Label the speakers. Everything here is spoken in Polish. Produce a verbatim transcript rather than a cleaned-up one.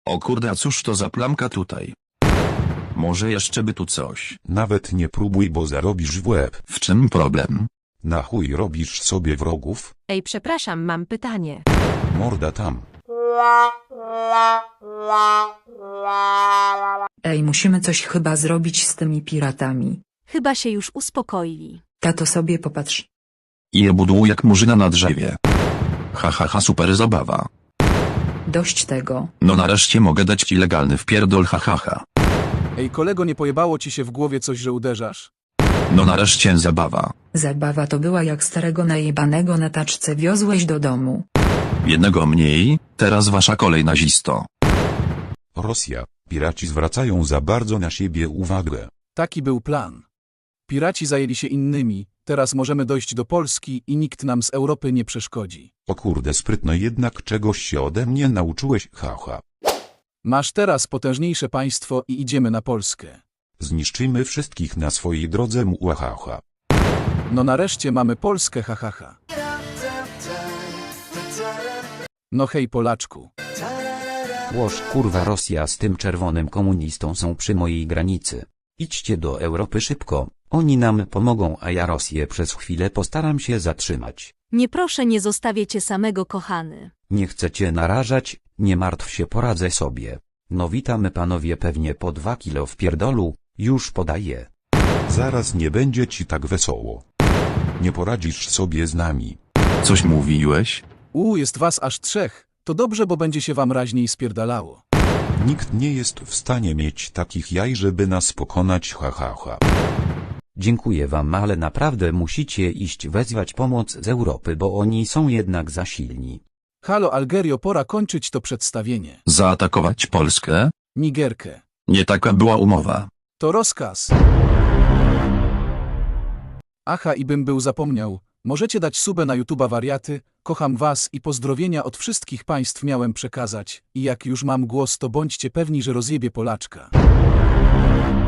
Speaker 1: O kurde, a cóż to za plamka tutaj? Może jeszcze by tu coś.
Speaker 2: Nawet nie próbuj, bo zarobisz w łeb.
Speaker 1: W czym problem?
Speaker 2: Na chuj robisz sobie wrogów?
Speaker 3: Ej, przepraszam, mam pytanie.
Speaker 2: Morda tam.
Speaker 4: Ej, musimy coś chyba zrobić z tymi piratami.
Speaker 3: Chyba się już uspokoili.
Speaker 4: Tato, sobie popatrz.
Speaker 1: I je budło jak murzyna na drzewie. Ha ha ha, super zabawa.
Speaker 4: Dość tego.
Speaker 1: No nareszcie mogę dać ci legalny wpierdol, ha ha ha.
Speaker 5: Ej kolego, nie pojebało ci się w głowie coś, że uderzasz?
Speaker 1: No nareszcie zabawa.
Speaker 4: Zabawa to była jak starego najebanego na taczce wiozłeś do domu.
Speaker 1: Jednego mniej, teraz wasza kolej, nazisto.
Speaker 2: Rosja. Piraci zwracają za bardzo na siebie uwagę.
Speaker 5: Taki był plan. Piraci zajęli się innymi, teraz możemy dojść do Polski i nikt nam z Europy nie przeszkodzi.
Speaker 2: O kurde, sprytno, jednak czegoś się ode mnie nauczyłeś, haha.
Speaker 5: Masz teraz potężniejsze państwo i idziemy na Polskę.
Speaker 2: Zniszczymy wszystkich na swojej drodze, muahaha.
Speaker 5: No nareszcie mamy Polskę, ha ha ha. No hej Polaczku.
Speaker 6: Łoż kurwa, Rosja z tym czerwonym komunistą są przy mojej granicy. Idźcie do Europy szybko, oni nam pomogą, a ja Rosję przez chwilę postaram się zatrzymać.
Speaker 3: Nie proszę, nie zostawię cię samego, kochany.
Speaker 6: Nie chcę cię narażać, nie martw się, poradzę sobie. No witamy panowie, pewnie po dwa kilo w pierdolu, już podaję.
Speaker 2: Zaraz nie będzie ci tak wesoło. Nie poradzisz sobie z nami.
Speaker 1: Coś mówiłeś?
Speaker 5: U, jest was aż trzech. To dobrze, bo będzie się wam raźniej spierdalało.
Speaker 2: Nikt nie jest w stanie mieć takich jaj, żeby nas pokonać, hahaha.
Speaker 6: Dziękuję wam, ale naprawdę musicie iść wezwać pomoc z Europy, bo oni są jednak za silni.
Speaker 5: Halo Algerio, pora kończyć to przedstawienie.
Speaker 1: Zaatakować Polskę?
Speaker 5: Nigerkę.
Speaker 1: Nie taka była umowa.
Speaker 5: To rozkaz. Aha, i bym był zapomniał. Możecie dać subę na YouTube'a, wariaty. Kocham was i pozdrowienia od wszystkich państw miałem przekazać. I jak już mam głos, to bądźcie pewni, że rozjebie Polaczka.